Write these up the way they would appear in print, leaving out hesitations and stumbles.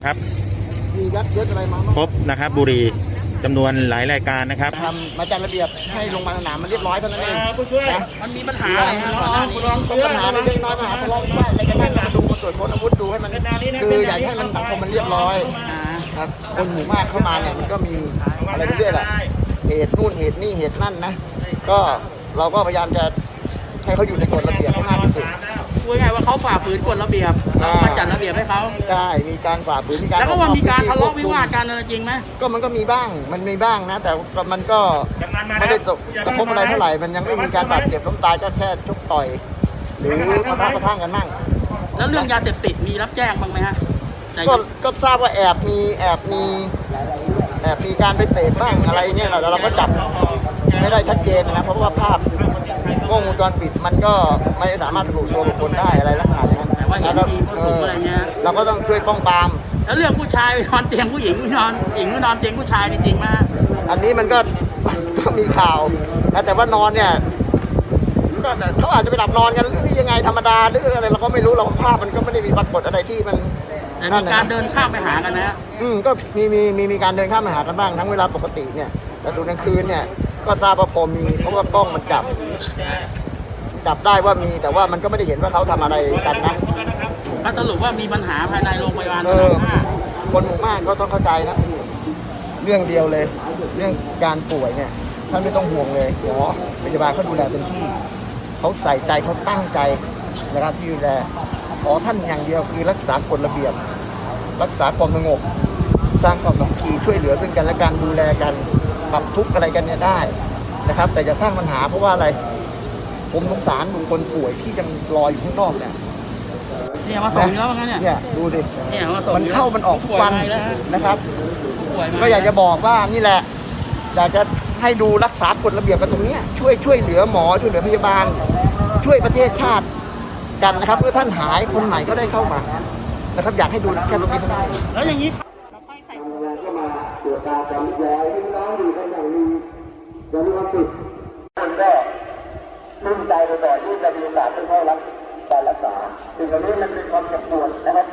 ครับมียัดเยียดอะไรมาพบนะครับบุหรี่จำนวนหลายรายการนะครับทำมาจัดระเบียบให้โรงพยาบาลสนามมันเรียบร้อยเท่านั้นเองนะมันมีปัญหาอะไรฮะก่อนหน้านี้ปัญหาเล็กน้อยปัญหาทะเลาะวิวาทอะไรกันนั่งดูตรวจค้นอาวุธดูให้มันคืออยากให้มันสังคมมันเรียบร้อยครับคนหมู่มากเข้ามาเนี่ยมันก็มีอะไรเรื่อยๆแหละเหตุนู่นเหตุนี่เหตุนั่นนะก็เราก็พยายามจะให้เขาอยู่ในกฎระเบียบให้มากที่สุดพูดง่ายว่าเขาฝ่าฝืนกฎระเบียบเรามาจัดระเบียบให้เขาได้มีการฝ่าฝืนมีการแล้วก็ว่ามีการทะเลาะวิวาทกันอะไรจริงไหมก็มันก็มีบ้างมันมีบ้างนะแต่มันก็ไม่ได้กระทบอะไรเท่าไหร่มันยังไม่มีการบาดเจ็บล้มตายก็แค่ชกต่อยหรือปะทะกระทั่งกันมั่งแล้วเรื่องยาเสพติดมีรับแจ้งบ้างไหมฮะก็ทราบว่าแอบมีการไปเสพบ้างอะไรเนี่ยเราก็จับไม่ได้ชัดเจนนะเพราะว่าภาพกล้องวงจรปิดมันก็ไม่สามารถระบุตัวบุคคลได้อะไรลักษณะนั้นเราก็ต้องช่วยป้องปรามแล้วเรื่องผู้ชายนอนเตียงผู้หญิงนอนเตียงผู้ชายจริงไหมอันนี้มันก็มีข่าวนะแต่ว่านอนเนี่ยก็เขาอาจจะไปหลับนอนกันหรือยังไงธรรมดาหรืออะไรเราก็ไม่รู้เราภาพมันก็ไม่ได้มีปรากฏอะไรที่มันมีการเดินข้ามไปหากันนะก็มีการเดินข้ามไปหากันบ้างทั้งเวลาปกติเนี่ยแต่ส่วนกลางคืนเนี่ยก็ทราบว่าพอมีเพราะว่ากล้องมันจับได้ว่ามีแต่ว่ามันก็ไม่ได้เห็นว่าเขาทำอะไรกันนะถ้าสรุปว่ามีปัญหาภายในโรงพยาบาลคนหมู่มากก็ต้องเข้าใจนะเรื่องเดียวเลยเรื่องการป่วยเนี่ยท่านไม่ต้องห่วงเลยหมอพยาบาลเขาดูแลเต็มที่เขาใส่ใจเขาตั้งใจนะครับที่ดูแลขอท่านอย่างเดียวคือรักษากฎระเบียบรักษาความสงบสร้างความสามัคคีช่วยเหลือซึ่งกันและกันดูแลกันปรับทุกข์อะไรกันเนี่ยได้นะครับแต่จะสร้างปัญหาเพราะว่าอะไรผมสงสารบุคคลป่วยที่ยังรออยู่ข้างนอกเนี่ยมาส่งแล้วงั้นเนี่ยดูดิมันเข้ามันออกทุกวันนะครับก็อยากจะบอกว่านี่แหละอยากจะให้ดูรักษากฎระเบียบกันตรงนี้ช่วยเหลือหมอช่วยเหลือพยาบาลช่วยประเทศชาติกันนะครับเพื่อท่านหายคนใหม่ก็ได้เข้ามานะครับอยากให้ดูแค่ตรงนี้แล้วอย่างนี้ก็มาตรวจตาจำแย่ยิ่งน้องดีกันอย่างมีอย่างมีความสุขคนก็ภูมิใจไปต่อที่จะมีโอกาสได้เข้ารับการรักษาสิ่งเหล่านี้มันเป็นความเจ็บปวดนะครับ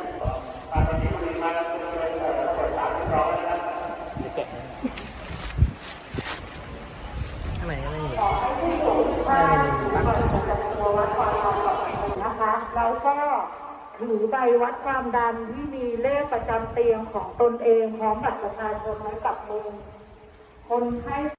นะคะเราก็ถือใบวัดความดันที่มีเลขประจำเตียงของตนเองพร้อมบัตรประชาชนไว้กับมือคนไข้